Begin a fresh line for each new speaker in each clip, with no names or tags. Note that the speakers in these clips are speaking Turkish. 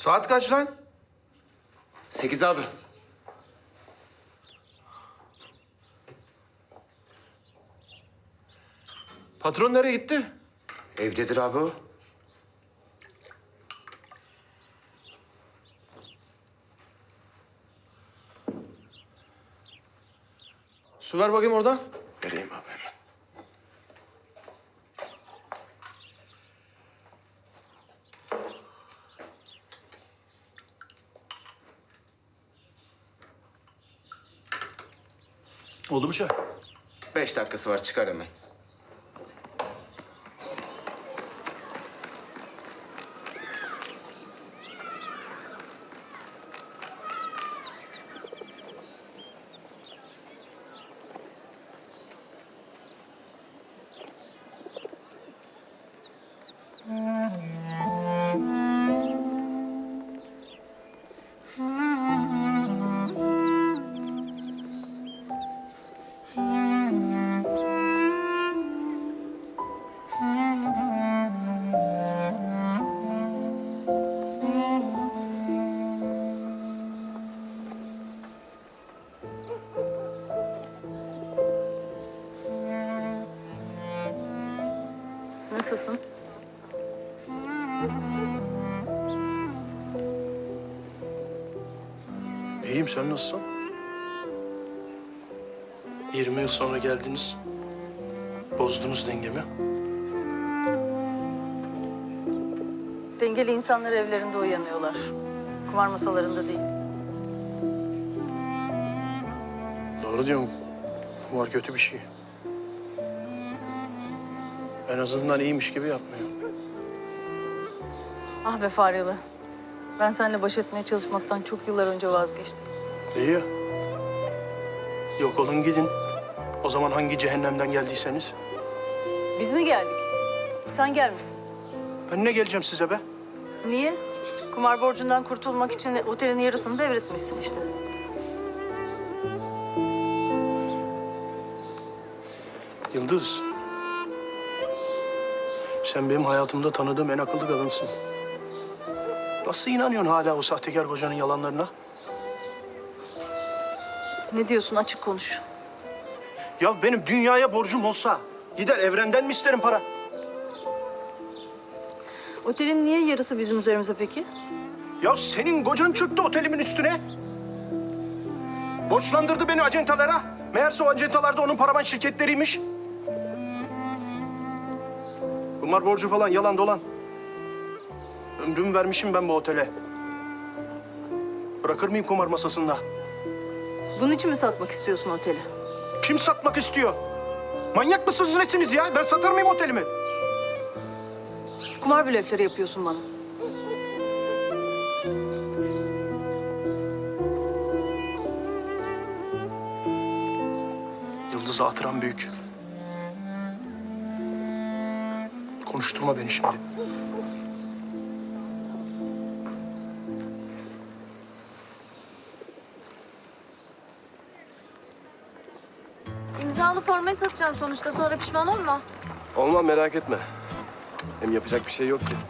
Saat kaç lan?
8 abi.
Patron nereye gitti?
Evdedir abi o.
Su ver bakayım oradan.
Vereyim abi hemen.
Oldu mu şey?
5 dakikası var, çıkar hemen.
Nasılsın?
İyiyim, sen nasılsın? 20 yıl sonra geldiniz. Bozdunuz dengemi.
Dengeli insanlar evlerinde uyanıyorlar. Kumar masalarında değil.
Doğru diyorsun. Kumar kötü bir şey. En azından iyiymiş gibi yapmıyor.
Ah be Faryalı. Ben seninle baş etmeye çalışmaktan çok yıllar önce vazgeçtim.
İyi ya. Yok olun gidin. O zaman hangi cehennemden geldiyseniz.
Biz mi geldik? Sen gelmişsin.
Ben ne geleceğim size be?
Niye? Kumar borcundan kurtulmak için otelin yarısını devretmişsin işte.
Yıldız. Sen benim hayatımda tanıdığım en akıllı kadınsın. Nasıl inanıyorsun hala o sahtekar kocanın yalanlarına?
Ne diyorsun, açık konuş.
Ya benim dünyaya borcum olsa gider evrenden mi isterim para?
Otelin niye yarısı bizim üzerimize peki?
Ya senin kocan çöktü otelimin üstüne. Borçlandırdı beni acentalara. Meğerse o acentalar da onun paravan şirketleriymiş. Kumar borcu falan yalan dolan. Ömrümü vermişim ben bu otele. Bırakır mıyım kumar masasında?
Bunun için mi satmak istiyorsun oteli?
Kim satmak istiyor? Manyak mısınız nesiniz ya? Ben satar mıyım otelimi?
Kumar blöfleri yapıyorsun bana.
Yıldız hatıram büyük. Konuşturma beni şimdi.
İmzalı formayı satacaksın sonuçta, sonra pişman olma.
Olmam, merak etme. Hem yapacak bir şey yok ki.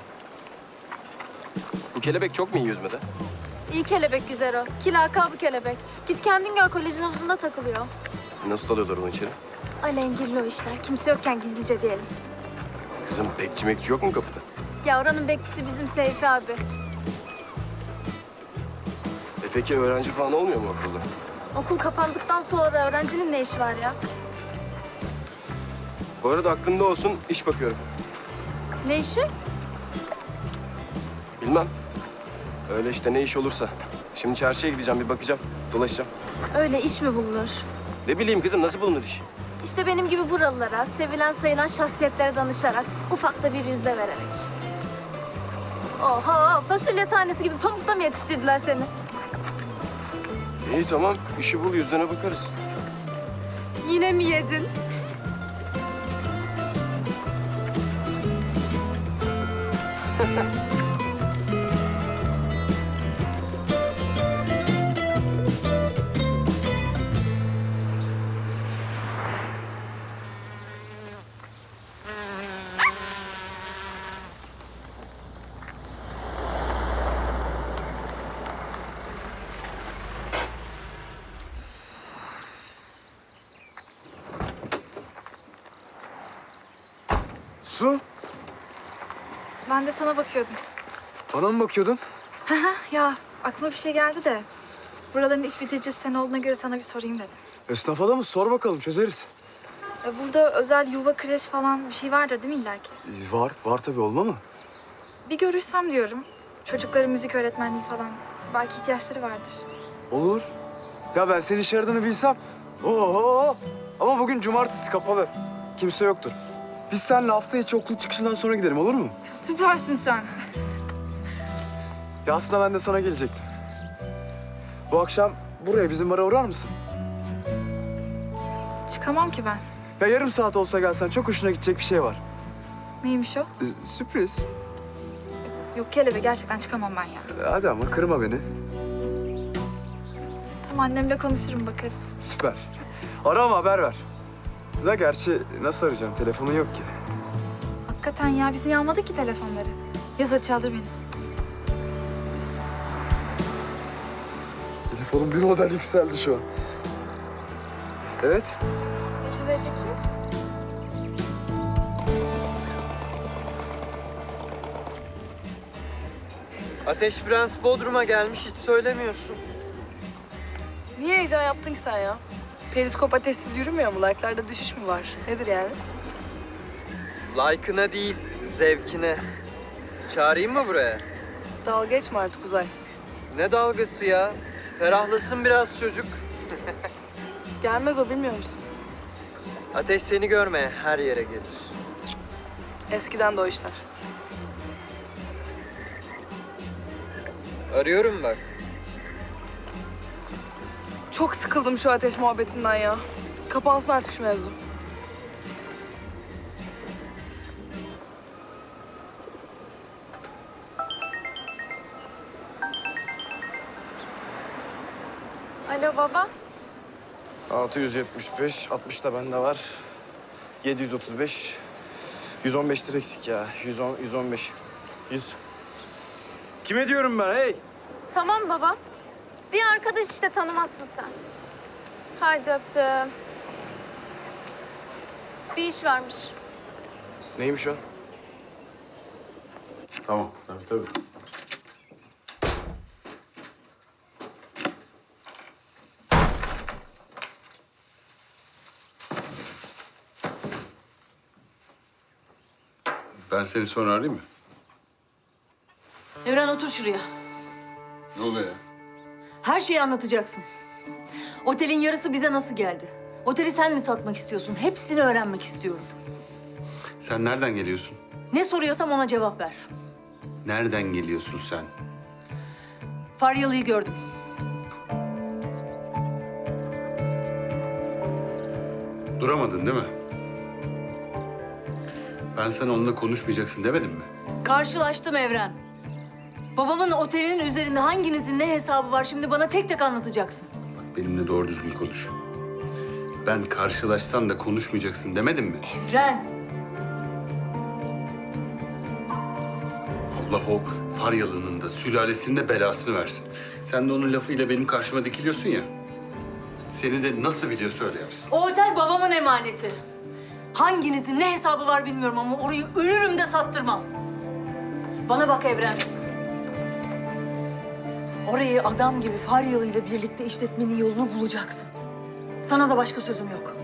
Bu kelebek çok mu iyi yüzmede?
İyi kelebek güzel o. Ki lakabı kelebek. Git kendin gör, kolejin havuzunda takılıyor.
Nasıl alıyorlar onu içeri?
Alengirli o işler. Kimse yokken gizlice diyelim.
Kızım, bekçi mekçi yok mu kapıda?
Ya oranın bekçisi bizim Seyfi abi.
Peki öğrenci falan olmuyor mu okulda?
Okul kapandıktan sonra öğrencinin ne işi var ya?
Bu arada aklında olsun, iş bakıyorum.
Ne işi?
Bilmem. Öyle işte, ne iş olursa. Şimdi çarşıya gideceğim, bir bakacağım, dolaşacağım.
Öyle iş mi bulunur?
Ne bileyim kızım, nasıl bulunur iş?
İşte benim gibi buralılara, sevilen sayılan şahsiyetlere danışarak, ufakta bir yüzde vererek. Oho, fasulye tanesi gibi pamukta mı yetiştirdiler seni?
İyi tamam, işi bul, yüzlerine bakarız.
Yine mi yedin?
Su,
Ben de sana bakıyordum.
bana mı bakıyordun?
Ya aklıma bir şey geldi de. Buraların iş bitiricisi sen olduğuna göre sana bir sorayım dedim.
Esnaf adamı sor bakalım, çözeriz.
Burada özel yuva kreş falan bir şey vardır değil mi illaki?
Var tabii, olma mı?
Bir görüşsem diyorum. Çocukların müzik öğretmenliği falan. Belki ihtiyaçları vardır.
Olur. Ya ben senin iş aradığını bilsem. Oo. Ama bugün cumartesi kapalı. Kimse yoktur. Biz seninle hafta içi okul çıkışından sonra gidelim, olur mu?
Süpersin sen.
Ya aslında ben de sana gelecektim. Bu akşam buraya bizim bara uğrar mısın?
Çıkamam ki ben.
Ya yarım saat olsa gelsen çok hoşuna gidecek bir şey var.
Neymiş o?
Sürpriz.
Yok kelebe gerçekten çıkamam ben ya.
Hadi ama kırma beni.
Tamam annemle konuşurum bakarız.
Süper. Ara ama haber ver. Da gerçi nasıl arayacağım? Telefonun yok ki.
Hakikaten ya biz niye almadık ki telefonları? Yaz hadi çaldır beni.
Telefonum bir model yükseldi şu an. Evet.
552.
Ateş Prens Bodrum'a gelmiş, hiç söylemiyorsun.
Niye heyecan yaptın ki sen ya? Periskop ateşsiz yürümüyor mu? Like'larda düşüş mü var? Nedir yani?
Like'ına değil, zevkine. Çağırayım mı buraya?
Dalga geçme artık Uzay.
Ne dalgası ya? Ferahlasın biraz çocuk.
Gelmez o, bilmiyor musun?
Ateş seni görmeye her yere gelir.
Eskiden de o işler.
Arıyorum bak.
Çok sıkıldım şu ateş muhabbetinden ya. Kapansın artık şu mevzu.
Alo baba.
675, 60 da bende var. 735, 115 lira eksik ya. 110, 115, 100. Kime diyorum ben hey?
Tamam baba. Bir arkadaş işte, tanımazsın sen. Haydi öptüm. Bir iş varmış.
Neymiş o?
Tamam, tabii. Ben seni sonra arayayım mı?
Evren otur şuraya.
Ne oluyor ya?
Her şeyi anlatacaksın. Otelin yarısı bize nasıl geldi? Oteli sen mi satmak istiyorsun? Hepsini öğrenmek istiyorum.
Sen nereden geliyorsun?
Ne soruyorsam ona cevap ver.
Nereden geliyorsun sen?
Faryalı'yı gördüm.
Duramadın değil mi? Ben sana onunla konuşmayacaksın demedim mi?
Karşılaştım Evren. Babamın otelinin üzerinde hanginizin ne hesabı var şimdi bana tek tek anlatacaksın.
Bak benimle doğru düzgün konuş. Ben karşılaşsan da konuşmayacaksın demedim mi?
Evren.
Allah o Faryalı'nın da sülalesinin de belasını versin. Sen de onun lafıyla benim karşıma dikiliyorsun ya. Seni de nasıl biliyor söyle yapsın.
O otel babamın emaneti. Hanginizin ne hesabı var bilmiyorum ama orayı ölürüm de sattırmam. Bana bak Evren. Orayı adam gibi Faryalı ile birlikte işletmenin yolunu bulacaksın. Sana da başka sözüm yok.